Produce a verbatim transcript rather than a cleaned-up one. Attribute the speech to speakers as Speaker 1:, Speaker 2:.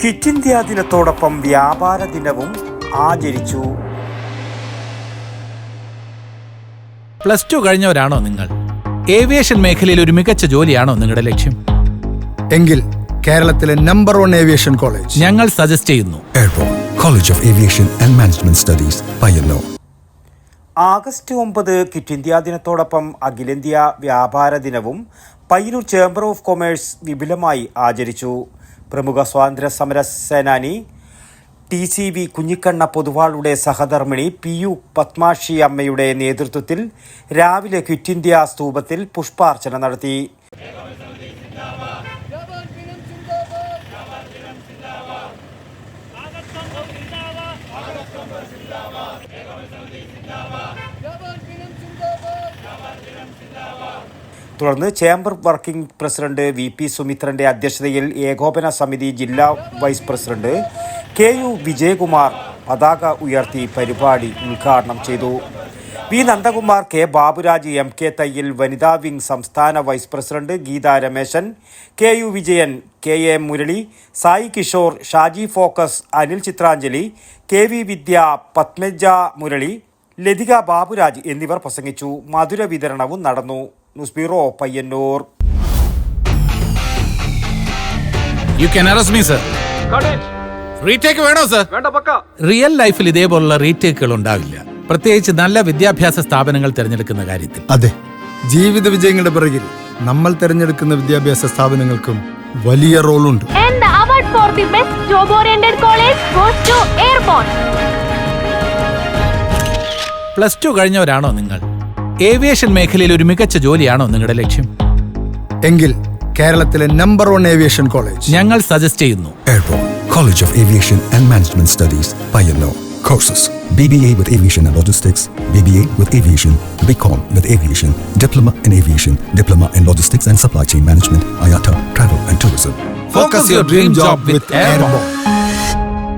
Speaker 1: Quit India ദിനത്തോടൊപ്പം വ്യാപാര ദിനവും ആചരിച്ചു.
Speaker 2: പ്ലസ് ടു കഴിഞ്ഞവരാണോ നിങ്ങൾ? ഏവിയേഷൻ മേഖലയിൽ ഒരു മികച്ച ജോലിയാണോ നിങ്ങളുടെ ലക്ഷ്യം?
Speaker 3: എങ്കിൽ കേരളത്തിലെ നമ്പർ വൺ ഏവിയേഷൻ കോളേജ്
Speaker 2: ഞങ്ങൾ സജസ്റ്റ് ചെയ്യുന്നു.
Speaker 4: Airport college of aviation and management studies, Payyanur.
Speaker 1: August ഒമ്പത് ക്വിറ്റ് ഇന്ത്യ ദിനത്തോടൊപ്പം അഖിലേന്ത്യാ വ്യാപാര ദിനവും പയ്യന്നൂർ ചേംബർ ഓഫ് കൊമേഴ്സ് വിപുലമായി ആചരിച്ചു. പ്രമുഖ സ്വാതന്ത്ര്യ സമര സേനാനി ടി സി വി കുഞ്ഞിക്കണ്ണ പൊതുവാളുടെ സഹധർമ്മിണി പി യു പത്മാക്ഷി അമ്മയുടെ നേതൃത്വത്തിൽ രാവിലെ ക്വിറ്റ് ഇന്ത്യ സ്തൂപത്തിൽ പുഷ്പാർച്ചന നടത്തി. തുടർന്ന് chamber working president V P സുമിത്രന്റെ അധ്യക്ഷതയിൽ ഏകോപന സമിതി ജില്ലാ vice president K U Vijayakumar പതാക ഉയർത്തി പരിപാടി ഉദ്ഘാടനം ചെയ്തു. V Nandakumar, K Baburaj, M K Thayyil, വനിതാ വിംഗ് സംസ്ഥാന vice president Geetha Rameshan, K U Vijayan, K A Murali, Sai Kishore, Shaji Focus, Anil Chithranjali, K V Vidya, Padmaja Murali, Lathika Baburaj എന്നിവർ പ്രസംഗിച്ചു. മധുര വിതരണവും നടന്നു. News bureau, Payyanur.
Speaker 2: You can arrest me sir. Retake വേണോ സർ? റിയൽ ലൈഫിൽ ഇതേപോലുള്ള റീടേക്കുകൾ ഉണ്ടാവില്ല, പ്രത്യേകിച്ച് നല്ല വിദ്യാഭ്യാസ സ്ഥാപനങ്ങൾ തിരഞ്ഞെടുക്കുന്ന കാര്യത്തിൽ.
Speaker 3: അതെ, ജീവിത വിജയങ്ങളുടെ പിറകിൽ നമ്മൾ തിരഞ്ഞെടുക്കുന്ന വിദ്യാഭ്യാസ സ്ഥാപനങ്ങൾക്കും വലിയ റോളുണ്ട്.
Speaker 2: പ്ലസ് ടു കഴിഞ്ഞവരാണോ നിങ്ങൾ? ഏവിയേഷൻ മേഖലയിൽ ഒരു മികച്ച ജോലിയാണോ നിങ്ങളുടെ ലക്ഷ്യം?
Speaker 3: എങ്കിൽ കേരളത്തിലെ നമ്പർ വൺ ഏവിയേഷൻ കോളേജ്
Speaker 2: ഞങ്ങൾ സജസ്റ്റ് ചെയ്യുന്നു.
Speaker 4: Airport college of aviation and management studies, Payyanur. Courses: B B A with Aviation and Logistics, B B A with Aviation, B Com with Aviation, Diploma in Aviation, Diploma in Logistics and Supply Chain Management, I A T A, Travel and Tourism.
Speaker 2: Focus your dream job with Airborne.